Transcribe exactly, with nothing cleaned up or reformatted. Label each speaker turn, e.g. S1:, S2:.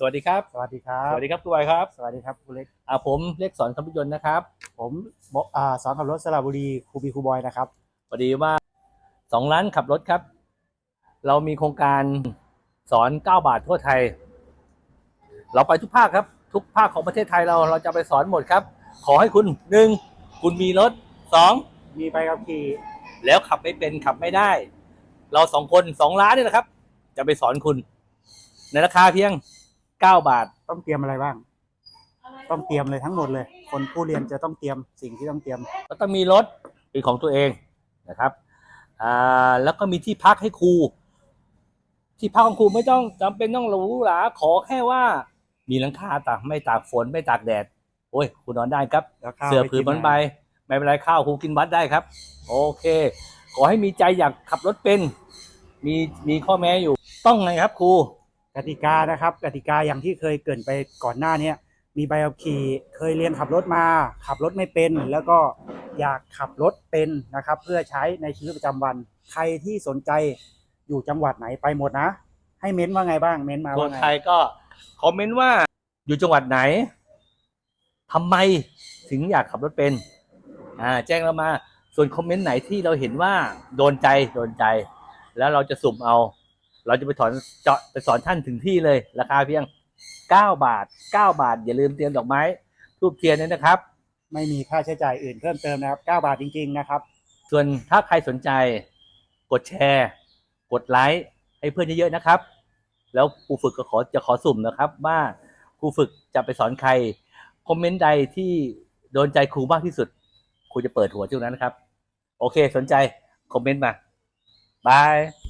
S1: สวัสดีครับ
S2: สวัสดีครับ
S1: สวัสดีครับคุณบอยครับ
S2: สวัสดีครับคุณเล็ก
S1: อ่าผมเล็กสอนขับรถยนต์นะครับ
S2: ผมบอกอ่าสอนขับรถสระบุรีครูบีครูบอยนะครับ
S1: พอดีว่าสองร้านขับรถครับเรามีโครงการสอนเก้าบาททั่วไทยเราไปทุกภาคครับทุกภาคของประเทศไทยเราเราจะไปสอนหมดครับขอให้คุณหนึ่งคุณมีรถสอง
S2: มีใบขับขี่
S1: แล้วขับไม่เป็นขับไม่ได้เราสองคนสองล้านนี่นะครับจะไปสอนคุณในราคาเพียงเก้าบาท
S2: ต้องเตรียมอะไรบ้างต้องเตรียมเลยทั้งหมดเลยคนผู้เรียนจะต้องเตรียมสิ่งที่ต้องเตรียม
S1: ก็ต้องมีรถเป็นของตัวเองนะครับอ่าแล้วก็มีที่พักให้ครูที่พักของครูไม่ต้องจำเป็นต้องหรูหราขอแค่ว่ามีหลังคาตากไม่ตากฝนไม่ตากแดดโอ้ยคุณนอนได้ครับเสื้อผืนมันใบไม่เป็นไรข้าวครูกินวัดได้ครับโอเคขอให้มีใจอยากขับรถเป็นมีมีข้อแม้อยู่ต้องไงครับครู
S2: กติกานะครับกติกาอย่างที่เคยเกริ่นไปก่อนหน้านี้มีใบขับขี่เคยเรียนขับรถมาขับรถไม่เป็นแล้วก็อยากขับรถเป็นนะครับเพื่อใช้ในชีวิตประจำวันใครที่สนใจอยู่จังหวัดไหนไปหมดนะให้เม้นว่าไงบ้างเม้นมา
S1: ค
S2: ว่า
S1: น
S2: ไง
S1: ไทยก็คอมเมนต์ว่าอยู่จังหวัดไหนทำไมถึงอยากขับรถเป็นอ่าแจ้งเรามาส่วนคอมเมนต์ไหนที่เราเห็นว่าโดนใจโดนใจแล้วเราจะสุ่มเอาเราจะไปสอนเจาะไปสอนท่านถึงที่เลยราคาเพียงเก้าบาทเก้าบาทอย่าลืมเตรียมดอกไม้ทูบเทียนด้วยนะครับ
S2: ไม่มีค่าใช้จ่ายอื่นเพิ่มเติมนะครับเก้าบาทจริงๆนะครับ
S1: ส่วนถ้าใครสนใจกดแชร์กดไลค์ให้เพื่อนเยอะๆนะครับแล้วครูฝึกก็ขอจะขอสุ่มนะครับว่าครูฝึกจะไปสอนใครคอมเมนต์ใดที่โดนใจครูมากที่สุดครูจะเปิดหัวช่วงนั้นนะครับโอเคสนใจคอมเมนต์มาบาย